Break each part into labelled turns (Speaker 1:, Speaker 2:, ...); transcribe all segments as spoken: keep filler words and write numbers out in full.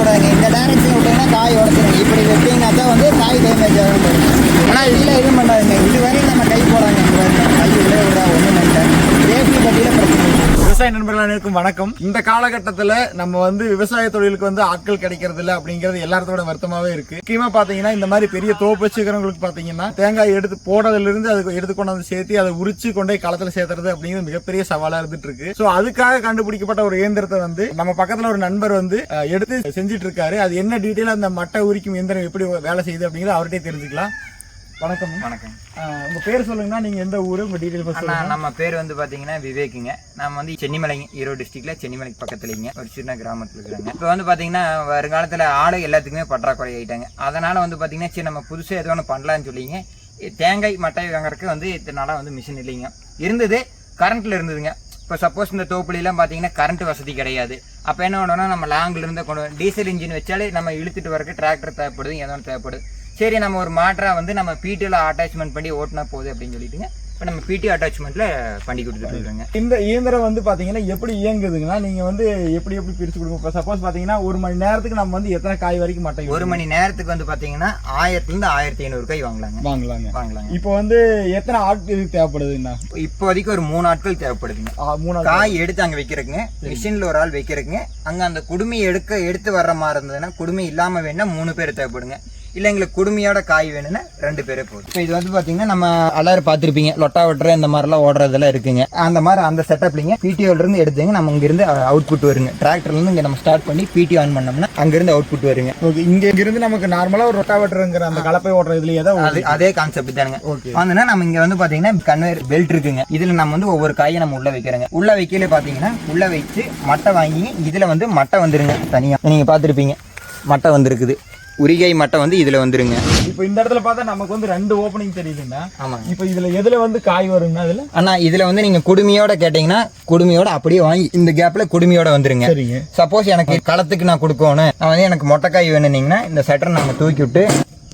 Speaker 1: விடாதுங்க. இந்த டைரக்ஷன் விட்டீங்கன்னா காய் உடச்சிடும். இப்படி வெட்டிங்கன்னா தான் வந்து காய் டேமேஜ் ஆகும். ஆனால் இதில் எதுவும் பண்ணாதுங்க. இதுவரையும் நம்ம கை போடாங்க. கை உள்ளே விடா ஒன்றும் இல்லை. சேஃப்டி பற்றியில் பிரச்சனை இல்லை.
Speaker 2: விவசாய நண்பர்கள் அனைவருக்கும் வணக்கம். இந்த காலகட்டத்தில் நம்ம வந்து விவசாய தொழிலுக்கு வந்து ஆட்கள் கிடைக்கிறது இல்லை அப்படிங்கிறது எல்லாத்தோட வருத்தமாவே இருக்கு. முக்கியமா பாத்தீங்கன்னா இந்த மாதிரி பெரிய தோப்பு வச்சுக்கிறவங்களுக்கு பாத்தீங்கன்னா தேங்காய் எடுத்து போடுறதுல இருந்து அதுக்கு எடுத்து கொண்டு வந்து சேர்த்து அதை உரிச்சு கொண்டே களத்துல சேர்த்துறது அப்படிங்கிறது மிகப்பெரிய சவாலா இருந்துட்டு இருக்கு. சோ அதுக்காக கண்டுபிடிக்கப்பட்ட ஒரு இயந்திரத்தை வந்து நம்ம பக்கத்துல ஒரு நண்பர் வந்து எடுத்து செஞ்சிட்டு இருக்காரு. அது என்ன டீட்டெயில் அந்த மட்டை உரிக்கும் இயந்திரம் எப்படி வேலை செய்யுது அப்படிங்கிறது அவர்கிட்ட தெரிஞ்சுக்கலாம். வணக்கம்.
Speaker 3: வணக்கம்.
Speaker 2: உங்க பேர் சொல்லுங்கன்னா நீங்க எந்த ஊரு, உங்க டீடைல்?
Speaker 3: நம்ம பேர் வந்து பாத்தீங்கன்னா விவேக்குங்க. நம்ம வந்து சென்னிமலை, ஈரோடு டிஸ்ட்ரிக்ட்ல சென்னிமலை பக்கத்துலங்க ஒரு சின்ன கிராமத்துல இருக்கிறாங்க. இப்போ வந்து பாத்தீங்கன்னா வருங்காலத்துல ஆடு எல்லாத்துக்குமே பற்றாக்குறை ஆயிட்டாங்க. அதனால வந்து பாத்தீங்கன்னா சரி நம்ம புதுசா ஏதோ ஒன்று பண்ணலான்னு சொல்லிங்க தேங்காய் மட்டை வாங்குறதுக்கு வந்து இத்தனால வந்து மிஷின் இல்லைங்க. இருந்தது கரண்ட்ல இருந்ததுங்க. இப்போ சப்போஸ் இந்த தோப்புலாம் பார்த்தீங்கன்னா கரண்ட் வசதி கிடையாது. அப்போ என்ன பண்ணோம்னா நம்ம லாங்கில் இருந்து கொண்டு டீசல் இன்ஜின் வச்சாலே நம்ம இழுத்துட்டு வரக்கு டிராக்டர் தேவைப்படுது, ஏதோ ஒன்று தேவைப்படுது. சரி நம்ம ஒரு மாற்றா வந்து நம்ம பிடிஓல அட்டாச்மெண்ட் பண்ணி ஓட்டினா போகுது அப்படின்னு சொல்லிட்டுங்க இப்போ நம்ம பிடி அட்டாச்மெண்ட்ல பண்ணி கொடுத்துட்டு இருக்காங்க.
Speaker 2: இந்த இயந்திரம் வந்து பாத்தீங்கன்னா எப்படி இயங்குதுங்கன்னா நீங்க வந்து எப்படி எப்படி பிரிச்சு கொடுங்க. இப்போ சப்போஸ் பாத்தீங்கன்னா ஒரு மணி நேரத்துக்கு நம்ம வந்து எத்தனை காய் வரைக்கும் மட்டை
Speaker 3: ஒரு மணி நேரத்துக்கு வந்து பாத்தீங்கன்னா ஆயிரத்துல இருந்து ஆயிரத்தி ஐநூறு காய் வாங்கலாங்க
Speaker 2: வாங்கலாங்க
Speaker 3: வாங்கலாங்க.
Speaker 2: இப்போ வந்து எத்தனை ஆட்கள் தேவைப்படுதுன்னா
Speaker 3: இப்போதைக்கு ஒரு மூணு ஆட்கள் தேவைப்படுதுங்க.
Speaker 2: மூணு
Speaker 3: காய் எடுத்து அங்க வைக்கிறதுங்க, மிஷின்ல ஒரு ஆள் வைக்கிறதுங்க. அங்க அந்த குடுமையை எடுக்க எடுத்து வர்ற மாதிரி இருந்ததுன்னா குடுமை இல்லாம வேணா மூணு பேர் தேவைப்படுங்க. இல்லை எங்களுக்கு குடுமையோட காய் வேணும்னா ரெண்டு பேரே போதும். இப்போ இது வந்து பார்த்தீங்கன்னா நம்ம எல்லாரும் பார்த்துருப்பீங்க லொட்டா வெட்டுற இந்த மாதிரிலாம் ஓடுறதெல்லாம் இருக்குங்க. அந்த மாதிரி அந்த செட்டப்லிங்க பிடிஓல இருந்து எடுத்துங்க நம்ம இங்கிருந்து அவுட் புட் வருங்க. டிராக்டர்ல இருந்து இங்கே நம்ம ஸ்டார்ட் பண்ணி பிடி ஆன் பண்ணோம்னா அங்கிருந்து அவுட் புட் வருங்க.
Speaker 2: ஓகே, இங்க இருந்து நமக்கு நார்மலா ஒரு ரொட்டா வெட்டுறங்கிற அந்த கலப்பை ஓடுற இதுலயே தான்
Speaker 3: அது அதே கான்செப்ட் தானுங்க. வந்துன்னா நம்ம இங்க வந்து பாத்தீங்கன்னா கன்வேயர் பெல்ட் இருக்குங்க. இதுல நம்ம வந்து ஒவ்வொரு காயை நம்ம உள்ள வைக்கிறோங்க. உள்ள வைக்கல பாத்தீங்கன்னா உள்ள வச்சு மட்டை வாங்கி இதுல வந்து மட்டை வந்துருங்க. தனியா நீங்க பாத்துருப்பீங்க மட்டை வந்துருக்குது. உரிகை மட்டை வந்து இதுல வந்துருங்க.
Speaker 2: இப்போ இந்த இடத்துல பார்த்தா நமக்கு வந்து ரெண்டு ஓப்பனிங் தெரியுதுன்னா
Speaker 3: ஆமா.
Speaker 2: இப்போ இதுல எதுல வந்து காய் வருங்க? அதுல
Speaker 3: ஆனா இதுல வந்து நீங்க குடுமையோட கேட்டீங்கன்னா குடுமையோட அப்படியே வாங்கி இந்த கேப்ல குடுமையோட வந்துருங்க. சப்போஸ் எனக்கு களத்துக்கு நான் கொடுக்கணும், நான் வந்து எனக்கு மொட்டைக்காய் வேணும்னீங்கன்னா இந்த சட்டரை நம்ம தூக்கி விட்டு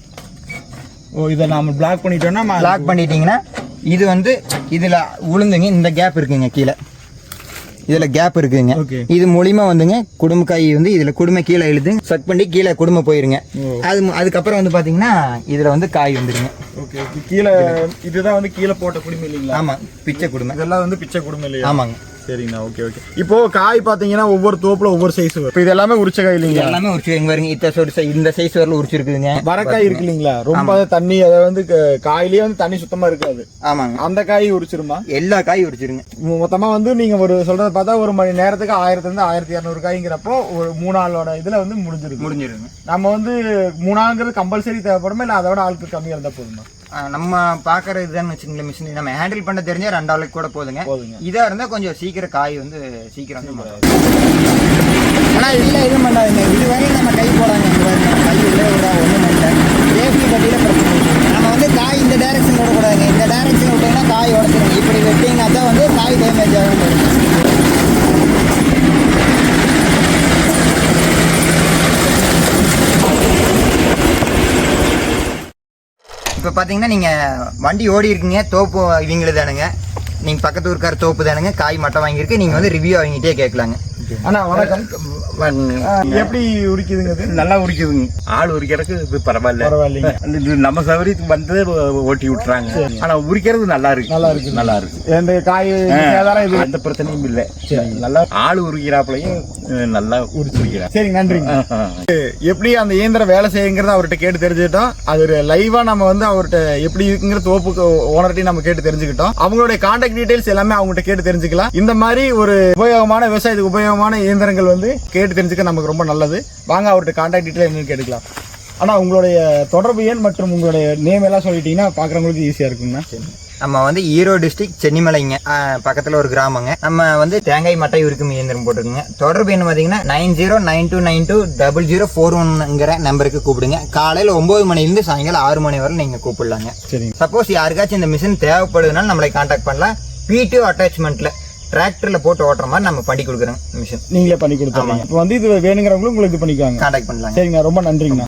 Speaker 2: ஓ இதை நாம பிளாக் பண்ணிட்டோம்னா
Speaker 3: பிளாக் பண்ணிட்டீங்கன்னா இது வந்து இதுல உளுந்துங்க. இந்த கேப் இருக்குங்க, கீழே இதுல கேப் இருக்குங்க. இது மூலியமா வந்துங்க குடும்பக்காய் வந்து இதுல குடுமை கீழே இழுது செட் பண்ணி கீழே குடுமை போயிருங்க. அது அதுக்கப்புறம் வந்து பாத்தீங்கன்னா இதுல வந்து காய் வந்துருங்க.
Speaker 2: கீழே இதுதான் வந்து கீழே போட்ட குடுமை இல்லைங்களா?
Speaker 3: ஆமா, பிச்சை குடுமை.
Speaker 2: இதெல்லாம் வந்து பிச்சை குடுமை இல்லையா?
Speaker 3: ஆமாங்க.
Speaker 2: சரிங்கண்ணா, ஓகே ஓகே. இப்போ காய் பாத்தீங்கன்னா ஒவ்வொரு தோப்புல ஒவ்வொரு சைஸ் வரும். இப்போ இது எல்லாமே உரிச்ச காய் இல்லைங்க?
Speaker 3: எல்லாமே உரிச்சு வருங்க. இத்த இந்த சைஸ் வரல உரிச்சிருக்குதுங்க.
Speaker 2: வரக்காய் இருக்கு இல்லைங்களா? ரொம்ப தண்ணி அதை வந்து காயிலேயே வந்து தண்ணி சுத்தமா இருக்காது.
Speaker 3: ஆமாங்க.
Speaker 2: அந்த காய் உரிச்சிருமா?
Speaker 3: எல்லா காயும் உரிச்சிருங்க.
Speaker 2: மொத்தமா வந்து நீங்க ஒரு சொல்றத பார்த்தா ஒரு மணி நேரத்துக்கு ஆயிரத்துல இருந்து ஆயிரத்தி இரநூறு காய்ங்கிறப்போ ஒரு மூணு நாளோட இதுல வந்து முடிஞ்சிருக்கு முடிஞ்சிருங்க. நம்ம வந்து மூணாங்கிறது கம்பல்சரி தேவைப்படுமா இல்ல அதோட ஆளுக்கு கம்மியா இருந்தா போதுமா?
Speaker 3: நம்ம பாக்குற இதுதான் வச்சுங்களேன். மிஷின் நம்ம ஹேண்டில் பண்ண தெரிஞ்சா ரெண்டு ஆளுக்கு கூட போதுங்க. இதா இருந்தா கொஞ்சம் சீக்கிரம் காய் வந்து சீக்கிரம்.
Speaker 1: ஆனா இதுல எதுவும் பண்ணாதுங்க. இதுவரையும் நம்ம கை போடாங்க. கை உள்ளே விடா ஒன்றும் இல்லை. சேஃப்டி பற்றியில் பிரச்சனை இல்லை. நம்ம வந்து காய் இந்த டைரக்ஷன் விடக்கூடாதுங்க. இந்த டைரக்ஷன் விட்டீங்கன்னா காய் உடச்சிடும். இப்படி வெட்டிங்கன்னா தான் வந்து காய் டேமேஜ் ஆகும்.
Speaker 3: இப்போ பார்த்தீங்கன்னா நீங்கள் வண்டி ஓடி இருக்கீங்க, தோப்பு இவங்களுக்கு தானுங்க. நீங்கள் பக்கத்து ஊருக்கார தோப்பு தானுங்க, காய் மட்டை வாங்கியிருக்கு. நீங்கள் வந்து ரிவ்யூ அவங்ககிட்டே கேட்கலாங்க.
Speaker 2: ஆனா வணக்கம். எப்படி உரிக்குதுங்க?
Speaker 4: நல்லா உரிக்குதுங்க. ஆள் உரிக்கிறதுக்கு இது பரவாயில்ல பரவாயில்லைங்க. நம்ம சௌகரியத்துக்கு வந்து ஓட்டி விட்டுறாங்க. ஆனா உரிக்கிறது நல்லா இருக்கு நல்லா இருக்கு நல்லா இருக்கு.
Speaker 2: இந்த காய்
Speaker 4: எந்த பிரச்சனையும் இல்லை. நல்லா ஆள் உரிக்கிறாப்புலையும் நல்லா உரிச்சிருக்கிறாங்க.
Speaker 2: சரி, நன்றிங்க. எப்படி அந்த இயந்திரம் வேலை செய்யுங்கிறத அவர்கிட்ட கேட்டு தெரிஞ்சுக்கிட்டோம். அது லைவா நம்ம வந்து அவர்கிட்ட எப்படி இருக்குங்கிற தோப்புக்கு ஓனர்கிட்டையும் நம்ம கேட்டு தெரிஞ்சுக்கிட்டோம். அவங்களுடைய கான்டாக்ட் டீடைல்ஸ் எல்லாமே அவங்ககிட்ட கேட்டு தெரிஞ்சுக்கலாம். இந்த மாதிரி ஒரு உபயோகமான விவசாயத்துக்கு உபயோகமான இயந்திரங்கள் வந்து கேட்டு தெரிஞ்சுக்க நமக்கு ரொம்ப நல்லது. வாங்க அவர்கிட்ட கான்டாக்ட் டீடைல் என்னன்னு கேட்டுக்கலாம். ஆனா உங்களுடைய தொடர்பு எண் மற்றும் உங்களுடைய நேம் எல்லாம் சொல்லிட்டீங்கன்னா பாக்குறவங்களுக்கு ஈஸியா இருக்குங்கண்ணா.
Speaker 3: நம்ம வந்து ஈரோடு டிஸ்ட்ரிக்ட் சென்னிமலைங்க பக்கத்துல ஒரு கிராமங்க. நம்ம வந்து தேங்காய் மட்டை உரிக்கும் இயந்திரம் போட்டுருக்குங்க. தொடர்பு என்ன பாத்தீங்கன்னா nine zero nine two nine two double zero four ஒன்ங்கிற நம்பருக்கு கூப்பிடுங்க. காலையில ஒன்பது மணிலிருந்து சாயங்காலம் ஆறு மணி வரை நீங்க கூப்பிடலாங்க. சப்போஸ் யாருக்காச்சும் இந்த மிஷின் தேவைப்படுதுனால நம்மளை கான்டாக்ட் பண்ணலாம். பிடிஓ அட்டாச்மெண்ட்ல டிராக்டர்ல போட்டு ஓட்டுற மாதிரி நம்ம பண்ணி கொடுக்குறோம் மிஷின்.
Speaker 2: நீங்களே பண்ணி கொடுத்தாங்க. இப்போ வந்து இது வேணுங்கிறவங்களும் உங்களுக்கு இது பண்ணிக்குவாங்க,
Speaker 3: கான்டாக்ட் பண்ணலாம்.
Speaker 2: சரிங்க, ரொம்ப நன்றிங்கண்ணா.